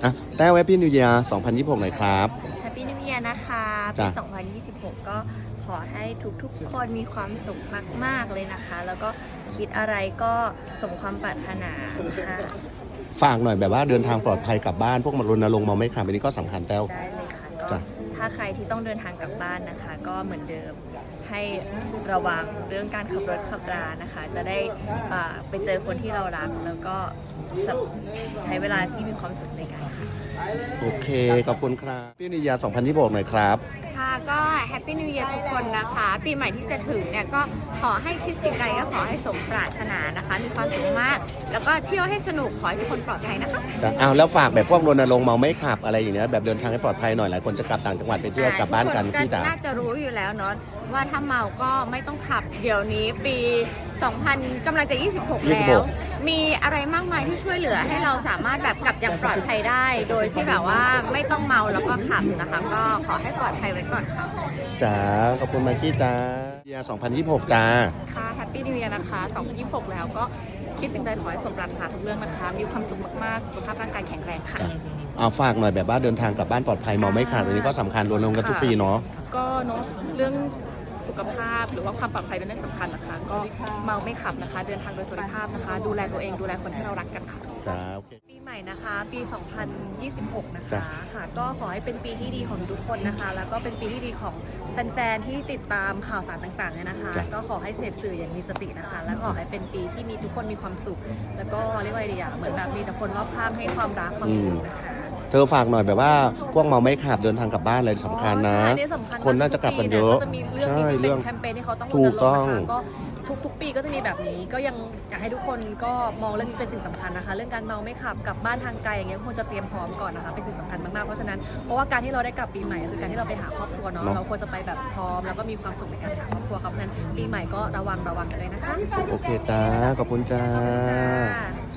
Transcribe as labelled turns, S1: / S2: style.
S1: อ่ะแต้วแฮปปี้นิวเยียร์2026หน่อยครับ
S2: แฮปปี้นิว e ย r นะคะปี
S1: จ้ะ
S2: 2026 ก็ขอให้ทุกๆคนมีความสุขมากๆเลยนะคะ แล้วก็คิดอะไรก็สมความปรารถนาค่ะ
S1: ฝากหน่อยแบบว่าเดินทางปลอดภัยกลับบ้านพวกมารณรงค์เมาไม่ขับอันนี้ก็สำคัญแต้ว
S2: ได้เลยค่ะก็
S1: จ้ะ
S2: ถ้าใครที่ต้องเดินทางกลับบ้านนะคะ ก็เหมือนเดิมให้ระวังเรื่องการขับรถขับรานะคะ จะได้ไปเจอคนที่เรารัก แล้วก็ใช้เวลาที่มีความสุขในการขับ
S1: โอเค ขอบคุณครับแฮปปี้นิวเยียร์2026หน่อยครับ
S3: ค่ะก็แฮปปี้นิว e ย r ทุกคนนะคะ ปีใหม่ที่จะถึงเนี่ยก็ขอให้คิดสิ่งใดก็ขอให้สมปรารถนานะคะ มีความสุขมาก แล้วก็เที่ยวให้สนุกขอให้ทุกคนปลอดภัยนะคะ
S1: จ้ะอ้าวแล้วฝากแบบพวกรณรงค์เมาไม่ขับอะไรอย่างเงี้ยแบบเดินทางให้ปลอดภัยหน่อยหลายคนจะกลับต่างจังหวัดไปเที่ยวกลับบ้านกัน
S3: ทุ
S1: พี่
S3: ค
S1: จ๋า
S3: น่าจะรู้อยู่แล้วเนาะว่าถ้าเมาก็ไม่ต้องขับเดี๋ยวนี้ปี 2000กำลังจะ 26 แล้ว มีอะไรมากมายที่ช่วยเหลือให้เราสามารถแบบกลับอย่างปลอดภัยได้ โดยที่แบบว่าไม่ต้องเมาแล้วก็ขับนะคะ ก็ขอให้ปลอดภัยไว้ก่อนค่ะ
S1: จ๋าขอบคุณมากกี้จ้าเยียร์2026จ้า
S4: ค่ะแฮปปี้นิว e ย r นะคะ2026 แล้วก็คิดสิ่งใดขอให้สมปรารถนาทุกเรื่องนะคะ มีความสุขมากๆ สุขภาพร่างกายแข็งแรงค่ะ
S1: เอาฝากหน่อยแบบว่าเดินทางกลับบ้านปลอดภัยเมาไม่ขาดอันนี้ก็สำคัญรณรงค์กันทุกปีเนาะ
S4: ก็เนาะเรื่องสุขภาพหรือว่าความปลอดภัยเป็นเรื่องสำคัญนะคะ ก็เมาไม่ขับนะคะ เดินทางโดยสวัสดิภาพนะคะ ดูแลตัวเองดูแลคนที่เรารักกันค่ะ
S1: จ้าโอเค
S2: ปีใหม่นะคะปี 2026 นะ
S1: จ้ะ
S2: คะค่ะก็ขอให้เป็นปีที่ดีของทุกคนนะคะ แล้วก็เป็นปีที่ดีของแฟนๆที่ติดตามข่าวสารต่างๆเนี่ยนะคะ
S1: จ้ะ
S2: ก็ขอให้เสพสื่ออย่างมีสตินะคะ แล้วก็ขอให้เป็นปีที่มีทุกคนมีความสุข แล้วก็เรียกว่าอะไรดีอะเหมือนแบบมีแต่คนรอบข้างให้ความรักความอบอุ่นนะคะ
S1: เธอฝากหน่อยแบบว่าพวกเมาไม่ขับเดินทางกลับบ้านเลยสำคัญนะ
S2: ใช่เนี่ยสำคัญม
S1: คนน่าจะกลับกันเยอะ
S2: ทุปีนี่ก็จะมีเรื่อง
S1: ใช่
S2: นี้ที่
S1: เรื่
S2: เป็
S1: อง
S2: นแคมเปญที่เขาต้องร
S1: ถู
S2: ณ
S1: ก
S2: รง
S1: ต้อ
S2: ค์
S1: ง
S2: นะคะก็ทุกๆ ปีก็จะมีแบบนี้ก็ยังอยากให้ทุกคนก็มองเรื่องนี้เป็นสิ่งสำคัญนะคะ เรื่องการเมาไม่ขับกลับบ้านทางไกลอย่างเงี้ยควรจะเตรียมพร้อมก่อนนะคะเป็นสิ่งสำคัญมากๆเพราะฉะนั้นเพราะว่าการที่เราได้กลับปีใหม่คือการที่เราไปหาครอบครัวเนาะ
S1: เนาะ
S2: เราควรจะไปแบบพร้อมแล้วก็มีความสุขในการหาครอบครัวครับเพราะฉะนั้นปีใหม่ก็ระวังกันด้วยนะคะ
S1: โอเคจ้าขอบคุณจ้า
S2: ค่ะ